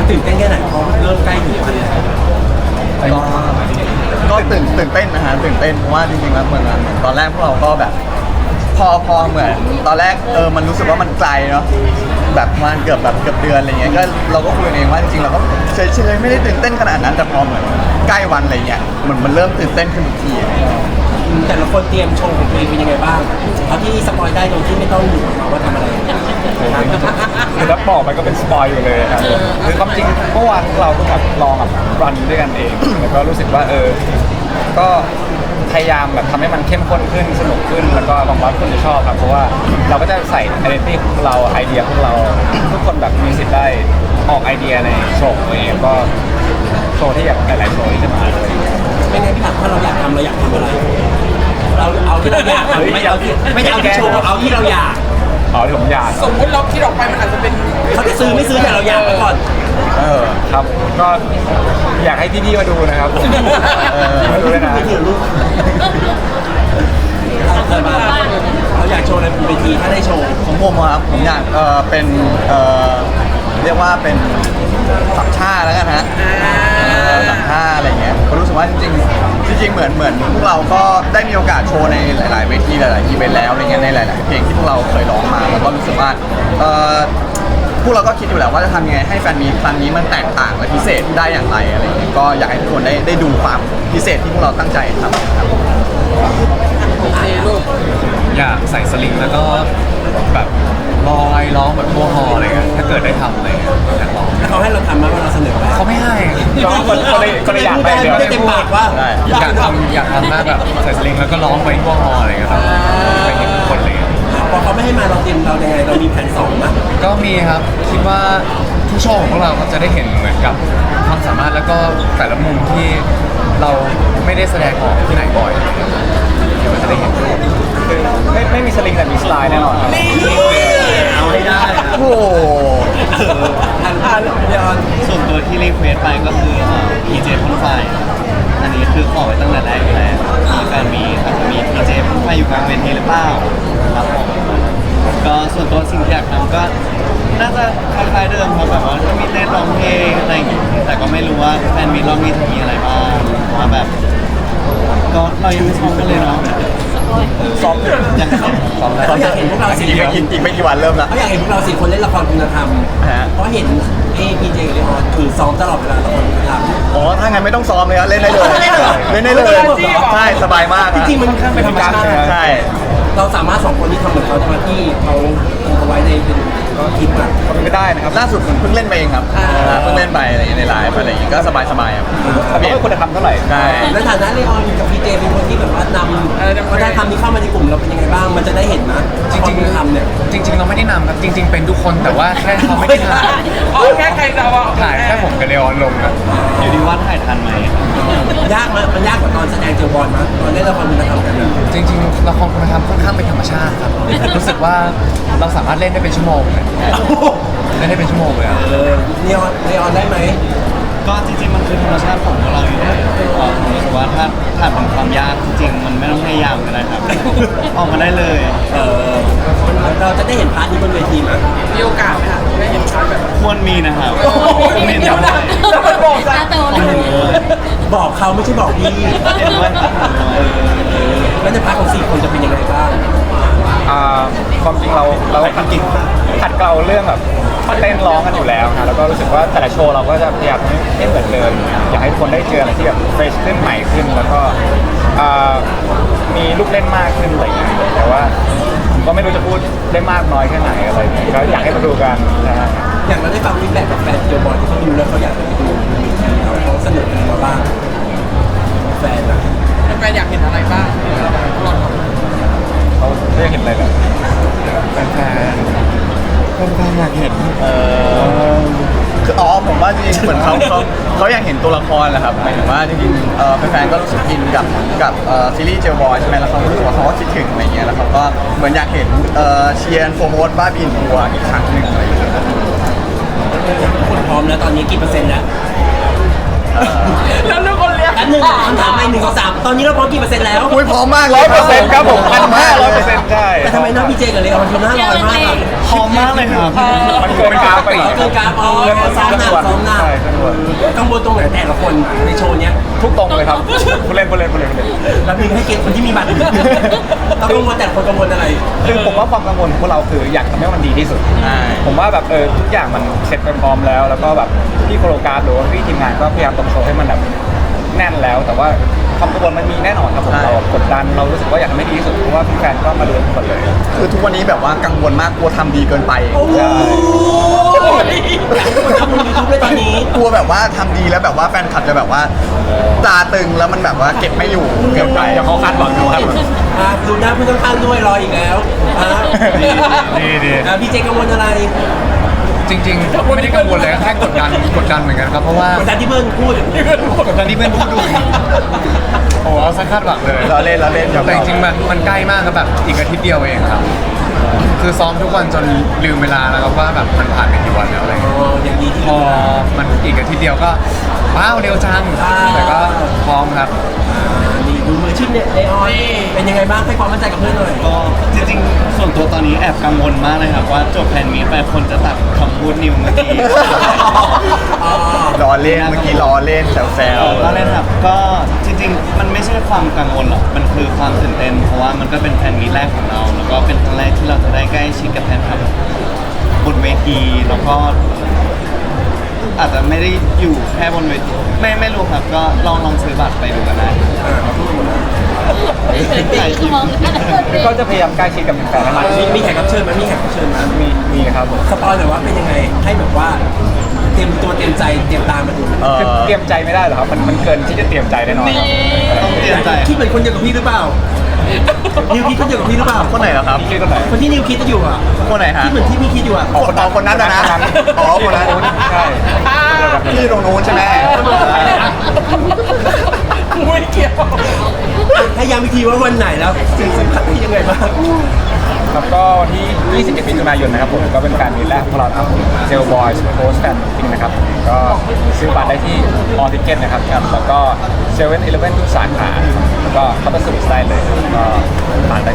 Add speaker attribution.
Speaker 1: ตื่นเต้นแค่ไหนพอเริ่มใกล้ถึงวันแล้ว
Speaker 2: ก็ตื่นเต้นนะฮะตื่นเต้นเพราะว่าจริงๆแล้วเหมือนตอนแรกพวกเราก็แบบพอเหมือนตอนแรกมันรู้สึกว่ามันไกลเนาะแบบประมาณเกือบเดือนอะไรเงี้ยก็เราก็คุยกันเองว่าจริงๆเราก็เฉยๆไม่ได้ตื่นเต้นขนาดนั้นแต่พอเหมือนใกล้วันอะไรเงี้ยมันเริ่มตื่นเต้นขึ้นทุกที
Speaker 1: แต่ละคนเตรียมโชว์ของตัวเองเป็นยังไงบ้างเอาที่สปอยได้โดยที่ไม่ต้องอยู่มาว่าทำอะไร
Speaker 3: คือถ้าบอกไปก็เป็นสปอยอยู่เลยครับคือความจริงเมื่อวานเราก็แบบลองแบบรันด้วยกันเอง แล้วก็รู้สึกว่าก็พยายามแบบทำให้มันเข้มข้นขึ้นสนุกขึ้นแล้วก็หวังว่าคนจะชอบครับเพราะว่าเราก็จะใส่ไอเดียของเราไอเดียของเราทุกคนแบบมีสิทธิ์ได้ออกไอเดียในโชว์ของตัวเองก็โชว์ที่อยากหลายๆโชว์ที่จะมาเลย
Speaker 1: ไม่ไงพี่ถามถ้าเราอยากทำเราอยากทำอะไรเราเอาที่เราอยากไม่เอาที่โชว์เอาที่เราอยาก
Speaker 3: อ๋อที่ผมอยาก
Speaker 4: สมมุติเราคิดออกไปมันอาจจะเป็น
Speaker 1: เขาจะซื้อไม่ซื้อแต่เราอยากไปก่อน
Speaker 3: ครับก็อยากให้พี่ๆมาดูนะครับมาดูเลยนะ
Speaker 1: ไม่ถือลูกเราอยากโชว์อะไรบนเวทีถ้าได้โชว์
Speaker 2: ของผมครับผมอยากเป็นเรียกว่าเป็นสามชาแล้วกันฮะสามชาอะไรเงี้ยก็รู้สึกว่าจริงเหมือนพวกเราก็ได้มีโอกาสโชว์ในหลายๆเวทีหลายๆอีเวนต์แล้วอะไรเงี้ยในหลายๆเพลงที่พวกเราเคยร้องมาแล้วก็รู้สึกว่าพวกเราก็คิดอยู่แล้วว่าจะทำยังไงให้แฟนมีตครั้งนี้มันแตกต่างและพิเศษได้อย่างไรอะไรเงี้ยก็อยากให้ทุกคนได้ดูความพิเศษที่พวกเราตั้งใจทำครับ
Speaker 4: โอเคลูก
Speaker 5: อยากใส่สลิงแล้วก็แบบลอยร้องแบบพวกฮออะไรเงี้ยถ้าเกิดได้ทำอะไรเงี้ยอยากลอง
Speaker 1: ถ้าเขาให้เราทำมาว่าเราเสนอไป
Speaker 5: เขาไม่ให้
Speaker 3: ก็เลยอยากไปเดี๋ยว
Speaker 1: ไม่ได้เต็มปากว่า
Speaker 5: อยากทำหน้าแบบใส่สลิงแล้วก็ร้องไปพวกฮออะไรเงี้ยครับไปเห็นทุกคนเลย
Speaker 1: พอเขาไม่ให้มาเราเตรียมเรายังไงเรามีแผนสองมั้ย
Speaker 5: ก็มีครับคิดว่าทุกโชว์ของพวกเราก็จะได้เห็นเหมือนกับความสามารถแล้วก็แต่ละมุมที่เราไม่ได้แสดงออกที่ไหนบ่อยเดี๋ยวจะได้เห็น
Speaker 3: คือไม่มีสลิงแต่มีสไตล์แน่นอนครับ
Speaker 1: เอาให้ได้
Speaker 2: โอ้โห
Speaker 1: อันเดียว
Speaker 6: ส่วนตัวที่รีเควสไปก็คือ PJ พ่นไฟอันนี้คือขอไว้ตั้งแต่แรกอยู่แล้วมีแฟนมีอาจจะมี PJ พ่นไฟอยู่กลางเวทีหรือเปล่าครับผมก็ส่วนตัวสิ่งที่อยากทำก็น่าจะคล้ายๆเดิมครับแบบว่าก็มีเต้นร้องเพลงอะไรอย่างงี้แต่ก็ไม่รู้ว่าแฟนมีรอบนี้จะมีอะไรบ้างเพราะว่าแบบก็เรายังไม่ซ้อมกันเลยเนาะ
Speaker 2: ซ้อม
Speaker 6: ยัง
Speaker 1: เขาอยากเห็นพวกเราสี่
Speaker 2: อีกไม่กี่วันเริ่มละ
Speaker 1: เขาอยากเห็นพวกเราสี่คนเล่นละครคุณธรรม
Speaker 2: ฮะ
Speaker 1: เพราะเห็นพีเจกับเลออนคือซ้อมตลอดเวลาละครคุณธรรม
Speaker 2: อ๋อถ้างั้นไม่ต้องซ้อมเลยครับเล่นได้เลย เล่นได้เลยใช่สบายมาก
Speaker 1: จริงๆมันค่อนข้างเป็นธรรมชาติ
Speaker 2: ใช่
Speaker 1: เราสามารถสองคนที่ทำเหมือนเขาจะมาที่เขาเอาไว้ในเป็นคลิปอะ
Speaker 3: ก็เป็นไปได้นะครับ
Speaker 2: ล่าสุดผมเพิ่งเล่นไปเองครับเพิ่งเล่นไปอะไรอย่างเงี้ยในไลฟ์อะไรอย่างเงี้ยก็สบายครับ
Speaker 3: แต่ก็ไม่ควรจะทำเท่าไหร่
Speaker 2: ใช่
Speaker 1: ในฐานะเลออนกับพีเจเป็นคนที่แบบว่านำวัฒนธรรมนี้เข้ามาในกลุ่มเราเป็นยังไงบ้างมันจะได้เห็นนะ
Speaker 5: จริง
Speaker 1: ๆทำเนี่ย
Speaker 5: ๆจริง ๆ เราไม่ได้นำครับจริง ๆ เป็นทุกคนแต่ว่าแค่เขาไม่ได้ถ่าย
Speaker 4: เอาแค่ใครจะเอา
Speaker 5: ถ่ายแค่ผมกับเลออนลงนะ
Speaker 6: อยู่ที่ว่าถ่ายทันไหม
Speaker 1: ยากมั้ยมันยากกว่าตอนแสดงเจอบอลมั้ยตอนเล่นละครคุณธรรมกันอะ
Speaker 5: จริงๆละครคุณธรรมค่อนข้างเป็นธรรมชาติครับรู้สึกว่าเราสามารถเล่นได้เป็นชั่วโมงเลยเล่นได้เป็นชั่วโมงเลยอะ
Speaker 1: เลออนได้ไหม
Speaker 6: ก็จริงๆมันคือธรรมชาติของพวกเราอยู่แล้วผมรู้สึกว่าถ้าผ่านเป็นความยากจริงๆมันไม่ต้องพยายามก็ได้ครับ ออกมาได้เลย
Speaker 1: เราจะได้เห็นพาร์ทนี้บนเวทีมั้ย
Speaker 4: มีโอกาสไหมคะได้เห็นชัดแบบ
Speaker 6: ควรมีนะครับ
Speaker 4: ผมเห็นเดี๋ยวนะแล้วมันบอกซะ
Speaker 1: บอกเขาไม่ใช่บอกพี่
Speaker 6: เห็นด้วยครับ
Speaker 1: แล้วในพาร์ทของ4คนจะเป็นยังไงบ้าง
Speaker 3: ความจริงเราขัดเกลาเรื่องแบบเต้นร้องกันอยู่แล้วนะแล้วก็รู้สึกว่าแต่ละโชว์เราก็จะพยายามให้เหมือนเดิมอยากให้ทุกคนได้เจออะไรที่แบบเฟรชขึ้นใหม่ขึ้นแล้วก็มีลูกเล่นมากขึ้นอะไรอย่างเงี้ยแต่ว่าผมก็ไม่รู้จะพูดได้มากน้อยแค่ไหนอะไรอย่างเงี้ยก็อยากให้มาดูกันนะฮะ
Speaker 1: อย่างเราได้ฟังฟีดแบ็กกับแฟนเจอบอลที่เขาดูแล้วเขาอยากจะไปดูเขาสนุกกันมาบ้างแฟนอะ
Speaker 4: แฟนอยากเห็นอะไรบ้าง
Speaker 3: เขาได้เห็นอะไรแบบ
Speaker 5: แฟน
Speaker 2: อยากเห็นคือผมว่าจริงๆเหมือนเขาอยากเห็นตัวละครแหละครับหมายถึงว่าจริงๆแฟนๆก็รู้สึกอินกับซีรีส์เจลบอยใช่ไหมแล้วเขารู้สึกว่าเขาก็คิดถึงอะไรเงี้ยแล้วเขาก็เหมือนอยากเห็นเชียร์โฟร์โมดบ้าบินทัวร์อีกครั้งหนึ่งอะไรอย่างเงี้ย
Speaker 1: คนพร้อมแล้วตอนนี้กี่เปอร์เซ็นต์แล้ว
Speaker 4: แล้วลูกคนเลี้ยง
Speaker 1: อันหนึ่งคำถามไป1 2 3ตอนนี้เราพร้อมกี่เปอร์เซ็นต์แล้ว
Speaker 2: อุ้ยพร้อมมากเลย
Speaker 3: 100%ครับผม1,500%ใช่
Speaker 1: แต่ทำไมน้องพีเจกับเลออนคือหน้าลอยมากอะ
Speaker 6: พร้อมมากเลยครับ
Speaker 3: มันเกินกราฟไป
Speaker 1: เกินกราฟซ้อมหนัก
Speaker 3: ด้วย
Speaker 1: กังวลตรงไหนแต่ละคนในโชว์เนี้ย
Speaker 3: ทุกตรงเลยครับผู้เล่น
Speaker 1: แล้วมีให้เกียรติคนที่มีบัตรต้องกังวลแต่ละคนกังวลอะไร
Speaker 3: คือผมว่าความกังวลของพวกเราคืออยากทำให้มันดีที่สุด
Speaker 2: ใช่
Speaker 3: ผมว่าแบบทุกอย่างมันเสร็จไปพร้อมแล้วแล้วก็แบบพี่โคโรกราฟหรือว่าพี่ทีมงานก็พยายามตกโชว์ให้มันแบบแน่นแล้ว แต่ว่าความกังวลมันมีแน่นอนครับผมเรากดดันเรารู้สึกว่าอยากทำให้ดีที่สุดเพราะว่าแฟนๆก็มาดูทุกคนเลย
Speaker 2: คือทุกวันนี้แบบว่ากังวลมากกลัวทำดีเกินไป
Speaker 3: ใช่
Speaker 1: ทำยูทูบเลยตอนนี้
Speaker 2: กลัวแบบว่าทำดีแล้วแบบว่าแฟนคลับจะแบบว่าตาตึงแล้วมันแบบว่าเก็บไม่อยู่เกินไป
Speaker 3: เดี๋ยวเขาคาดหวังเขาคาดหวัง
Speaker 1: ดูหน้าผู้ข้างๆด้วยรออีกแล้ว
Speaker 3: ดี
Speaker 1: พี่เจกังวลอะไร
Speaker 5: จริงๆไม่ได้กังวลเลยแค่กดดันเหมือนกันครับเพราะว่าก
Speaker 1: ดดันที่เพื่อนพูด
Speaker 5: กดดันที่เพื่อนพูดดูโอ้เอาซะคาดหวังเลย
Speaker 2: เราเล่นครับ
Speaker 5: แต่จริงๆมันใกล้มากครับแบบอีกอาทิตย์เดียวเองครับ คือซ้อมทุกวันจนลืมเวลาแล้วครับว่าแบบมันผ่านไปกี่วันแล้วอะไรเงี้ย
Speaker 1: อย่างดีที่
Speaker 5: พอมันอีกอาทิตย์เดียวก็ว้าวเร็วจังแต่ก็พร้อมครับ
Speaker 1: นี่ดูมือชิปเนี่ยเลออนเป็นยังไงบ้างให้ความมั่นใจกับเพื่อนหน่อย
Speaker 6: ก็จริงๆส่วนตัวตอนนี้แอบกังวลมากเลยครับว่าจบแฟนมีตไปคนจะตัดคำพูดนิวเมื่อกี้
Speaker 2: ล้อเล่นเมื่อกี้ล้อเล่นแซว
Speaker 6: ก็เล่นครับก็จริงๆ มันไม่ใช่ความกังวลหรอกมันคือความตื่นเต้นเพราะว่ามันก็เป็นแฟนมีตแรกของเราแล้วก็เป็นครั้งแรกที่เราจะได้ใกล้ชิดกับแฟนคลับบนเวทีแล้วก็ อาจจะไม่ได้อยู่แค่บนเวทีไม่รู้ครับก็ลองซื้อบัตรไปดูกันได้
Speaker 3: ก็จะพยายามใกล้ชิดกับแฟนๆให้มากที่สุด
Speaker 1: มีแขกรับเชิญไหมมีแขกรับเชิญไหม
Speaker 3: มีครับผม
Speaker 1: สปอยหน่อยว่าเป็นยังไงให้แบบว่าเตรียมตัวเตรียมใจเตรียมตามมาดู
Speaker 3: คือเตรียมใจไม่ได้หรอกครับมันเกินที่จะเตรียมใจแน่นอนครับ
Speaker 6: ต้องเตรียมใจ
Speaker 1: คิดเหมือนคนเดียวกับพี่หรือเปล่านิวคิดคนเดียวกับพี่หรือเปล่า
Speaker 2: คนไหนเหรอครับ
Speaker 3: ชื่อคนไหน
Speaker 1: คนที่นิวคิดจะอยู่อ่ะ
Speaker 2: คนไหนฮะ
Speaker 1: คิดเหมือนที่พี่คิดอยู่อ่ะ
Speaker 2: คนนั้นนะอ๋อคนนั้น
Speaker 3: ใช่
Speaker 2: ที่ตรงนู้นใช่ไหม
Speaker 1: กูไม่เกี่ยวให้ย้ำอีกทีว่าวันไหนแล้วสิ่งสำคัญที่ยังไงบ้าง
Speaker 3: ครับก็วันที่ 21 มิถุนายนนะครับผมก็เป็นการมีตแรกของเราครับเซลบอยส์โพสแฟนมิงนะครับก็ซื้อบัตรได้ที่ออทิเก็ตนะครับแล้วก็เซเว่นอีเลฟเว่นทุกสาขาแล้วก็เข้าไปสมัครได้เลยก็ผ่าน